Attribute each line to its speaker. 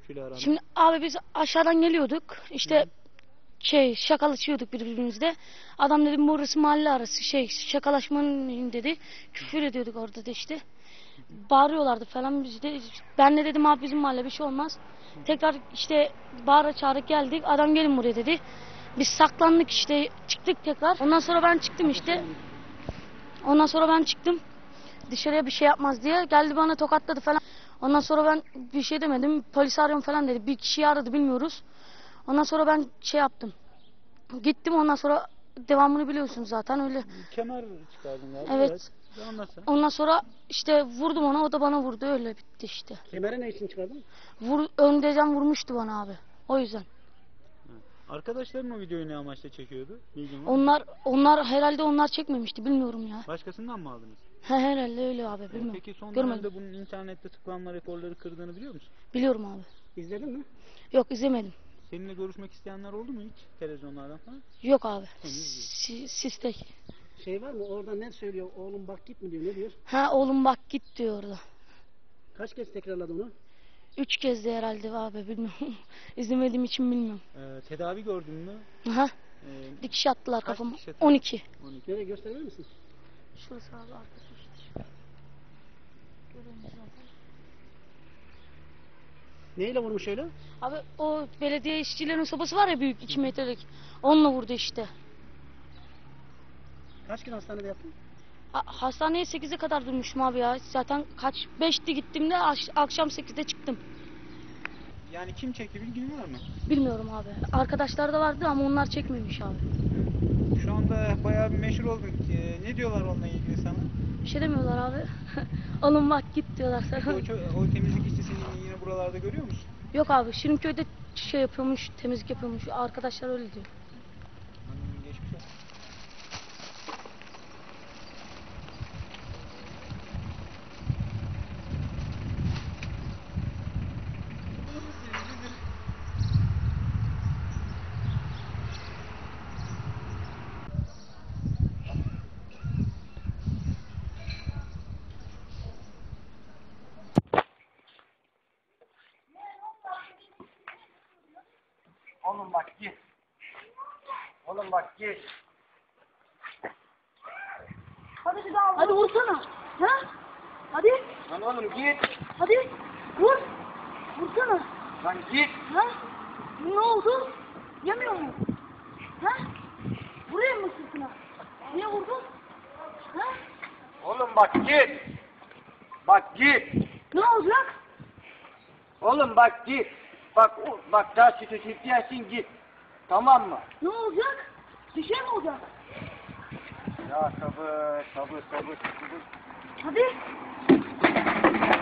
Speaker 1: Şimdi abi biz aşağıdan geliyorduk. İşte şakalaşıyorduk birbirimizle. Adam dedi burası mahalle arası şakalaşmanın dedi. Küfür ediyorduk orada da işte. Bağırıyorlardı falan biz de. Ben de dedim abi bizim mahalle bir şey olmaz. Tekrar işte bağıra çağıra geldik. Adam gelin buraya dedi. Biz saklandık işte çıktık tekrar. Ondan sonra ben çıktım işte. Dışarıya bir şey yapmaz diye. Geldi bana tokatladı falan. Ondan sonra ben bir şey demedim. Polis arıyorum falan dedi. Bir kişiyi aradı bilmiyoruz. Ondan sonra ben şey yaptım. Gittim ondan sonra devamını biliyorsunuz zaten öyle.
Speaker 2: Kemer çıkardın galiba.
Speaker 1: Evet. Ondan sonra işte vurdum ona o da bana vurdu öyle bitti işte.
Speaker 3: Kemeri ne için çıkardın?
Speaker 1: Öndeyden vurmuştu bana abi. O yüzden.
Speaker 2: Arkadaşların o videoyu ne amaçla çekiyordu? Bilgin var mı?
Speaker 1: Onlar herhalde onlar çekmemişti bilmiyorum ya.
Speaker 2: Başkasından mı aldınız?
Speaker 1: Herhalde öyle abi bilmiyorum.
Speaker 2: Peki son
Speaker 1: Görmedim.
Speaker 2: dönemde bunun internette tıklanma rekorları kırdığını biliyor musun?
Speaker 1: Biliyorum abi.
Speaker 3: İzledin mi?
Speaker 1: Yok izlemedim.
Speaker 2: Seninle görüşmek isteyenler oldu mu hiç televizyonlardan falan?
Speaker 1: Yok abi.
Speaker 2: Henüz
Speaker 1: Sistek.
Speaker 3: Şey var mı orada ne söylüyor? Oğlum bak git mi diyor? Ne diyor?
Speaker 1: Ha oğlum bak git diyor orada.
Speaker 3: Kaç kez tekrarladı onu?
Speaker 1: 3 kez de herhalde abi bilmiyorum. İzlemediğim için bilmiyorum.
Speaker 2: Tedavi gördün mü?
Speaker 1: Aha.
Speaker 2: Ee,
Speaker 1: Dikiş attılar
Speaker 2: kaç
Speaker 1: kafama.
Speaker 2: dikiş atıldı?
Speaker 1: 12.
Speaker 3: Nereye gösterebilir misin?
Speaker 1: Şurası abi arkası işte. Görüyorsunuz zaten.
Speaker 3: Neyle vurmuş öyle?
Speaker 1: Abi o belediye işçilerin sobası var ya büyük 2 metrelik. Onunla vurdu işte.
Speaker 3: Kaç gün hastanede yattın?
Speaker 1: Hastaneye 8'e kadar durmuşum abi ya. Zaten 5'ti gittiğimde akşam 8'de çıktım.
Speaker 2: Yani kim çekti bilgin var mı?
Speaker 1: Bilmiyorum abi. Arkadaşlar da vardı ama onlar çekmemiş abi.
Speaker 2: Şu anda bayağı bir meşhur oldun. Ne diyorlar onunla ilgili sana?
Speaker 1: Bir şey demiyorlar abi. Oğlum bak git diyorlar sana.
Speaker 2: O temizlik işçisini yine buralarda görüyor musun?
Speaker 1: Yok abi Şirinköy'de şey yapıyormuş, temizlik yapıyormuş. Arkadaşlar öyle diyor.
Speaker 2: Geçmiş olsun.
Speaker 4: Oğlum bak git. Oğlum bak git.
Speaker 1: Hadi bir daha. Hadi vursana. Ha? Hadi.
Speaker 4: Lan oğlum git.
Speaker 1: Hadi. Vur. Vursana.
Speaker 4: Lan git.
Speaker 1: Ha? Ne oldu? Yemiyor mu? Ha? Vurayım mı sırtına? Niye vurdun? Ha?
Speaker 4: Oğlum bak git. Bak git.
Speaker 1: Ne olacak?
Speaker 4: Oğlum bak git. Bak daha sütü sütüyesin git. Tamam mı?
Speaker 1: Ne olacak? Bir şey mi olacak?
Speaker 4: Ya sabır.
Speaker 1: Hadi.